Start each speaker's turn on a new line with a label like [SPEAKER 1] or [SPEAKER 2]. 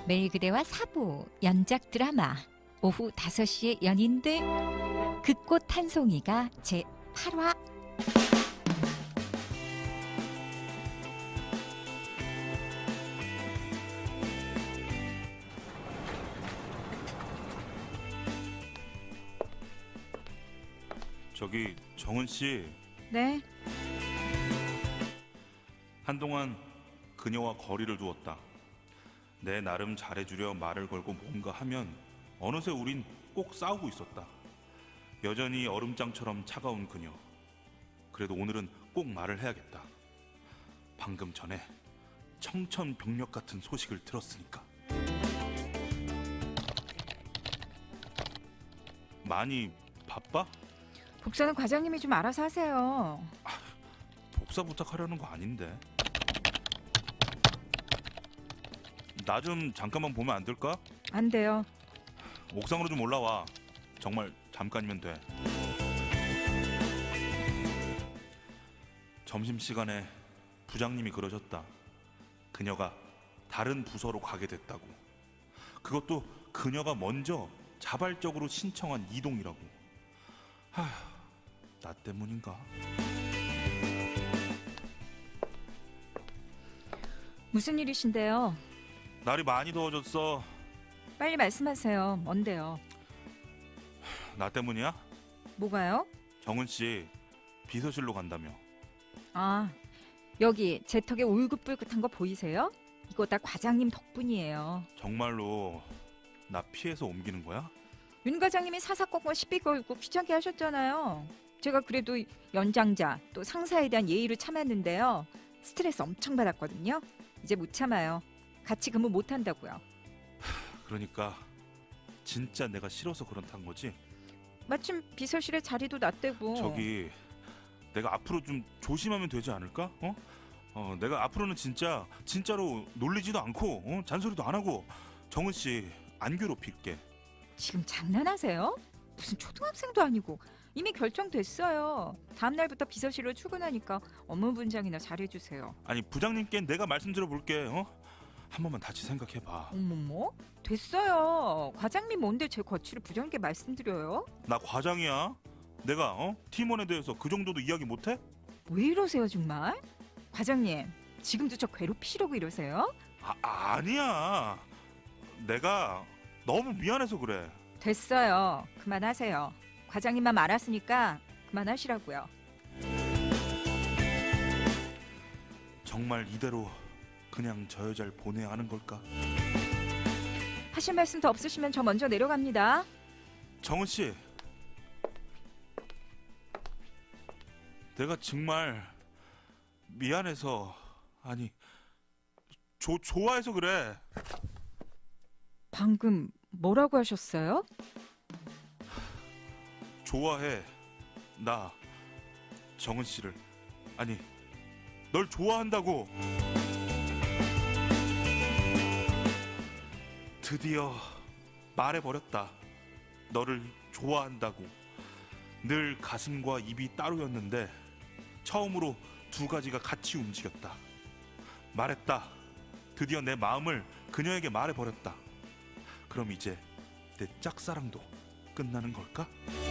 [SPEAKER 1] 매일 그대와 사부 연작 드라마 오후 5시의 연인들 그꽃 한 송이가 제8화.
[SPEAKER 2] 저기 정은 씨,
[SPEAKER 1] 네.
[SPEAKER 2] 한동안 그녀와 거리를 두었다. 내 나름 잘해주려 말을 걸고 뭔가 하면 어느새 우린 꼭 싸우고 있었다. 여전히 얼음장처럼 차가운 그녀. 그래도 오늘은 꼭 말을 해야겠다. 방금 전에 청천벽력 같은 소식을 들었으니까. 많이 바빠?
[SPEAKER 1] 복사는 과장님이 좀 알아서 하세요.
[SPEAKER 2] 복사 부탁하려는 거 아닌데. 나 좀 잠깐만 보면 안 될까?
[SPEAKER 1] 안 돼요.
[SPEAKER 2] 옥상으로 좀 올라와. 정말 잠깐이면 돼. 점심시간에 부장님이 그러셨다. 그녀가 다른 부서로 가게 됐다고. 그것도 그녀가 먼저 자발적으로 신청한 이동이라고. 하, 나 때문인가?
[SPEAKER 1] 무슨 일이신데요?
[SPEAKER 2] 날이 많이 더워졌어.
[SPEAKER 1] 빨리 말씀하세요. 뭔데요?
[SPEAKER 2] 나 때문이야?
[SPEAKER 1] 뭐가요?
[SPEAKER 2] 정은 씨 비서실로 간다며.
[SPEAKER 1] 아, 여기 제 턱에 울긋불긋한 거 보이세요? 이거 다 과장님 덕분이에요.
[SPEAKER 2] 정말로 나 피해서 옮기는 거야?
[SPEAKER 1] 윤 과장님이 사사건건 시비 걸고 귀찮게 하셨잖아요. 제가 그래도 연장자 또 상사에 대한 예의를 참았는데요. 스트레스 엄청 받았거든요. 이제 못 참아요. 같이 근무 못 한다고요.
[SPEAKER 2] 그러니까 진짜 내가 싫어서 그렇단 거지?
[SPEAKER 1] 마침 비서실에 자리도 놨대고.
[SPEAKER 2] 저기 내가 앞으로 좀 조심하면 되지 않을까? 내가 앞으로는 진짜로 놀리지도 않고 잔소리도 안 하고 정은 씨 안 괴롭힐게.
[SPEAKER 1] 지금 장난하세요? 무슨 초등학생도 아니고 이미 결정됐어요. 다음 날부터 비서실로 출근하니까 업무 분장이나 잘해주세요.
[SPEAKER 2] 아니 부장님께 내가 말씀드려 볼게. 한 번만 다시 생각해봐.
[SPEAKER 1] 어머머, 됐어요. 과장님 뭔데 제 거취를 부장님께 말씀드려요?
[SPEAKER 2] 나 과장이야. 내가 팀원에 대해서 그 정도도 이야기 못해?
[SPEAKER 1] 왜 이러세요 정말? 과장님 지금도 저 괴롭히시려고 이러세요?
[SPEAKER 2] 아니야. 내가 너무 미안해서 그래.
[SPEAKER 1] 됐어요. 그만하세요. 과장님만 말았으니까 그만하시라고요.
[SPEAKER 2] 정말 이대로 그냥 저 여자를 보내야 하는 걸까?
[SPEAKER 1] 하실 말씀 더 없으시면 저 먼저 내려갑니다.
[SPEAKER 2] 정은 씨, 내가 정말 미안해서, 아니 좋아해서 그래.
[SPEAKER 1] 방금 뭐라고 하셨어요?
[SPEAKER 2] 좋아해. 나 정은 씨를, 아니 널 좋아한다고. 드디어 말해버렸다. 너를 좋아한다고. 늘 가슴과 입이 따로였는데 처음으로 두 가지가 같이 움직였다. 말했다. 드디어 내 마음을 그녀에게 말해버렸다. 그럼 이제 내 짝사랑도 끝나는 걸까?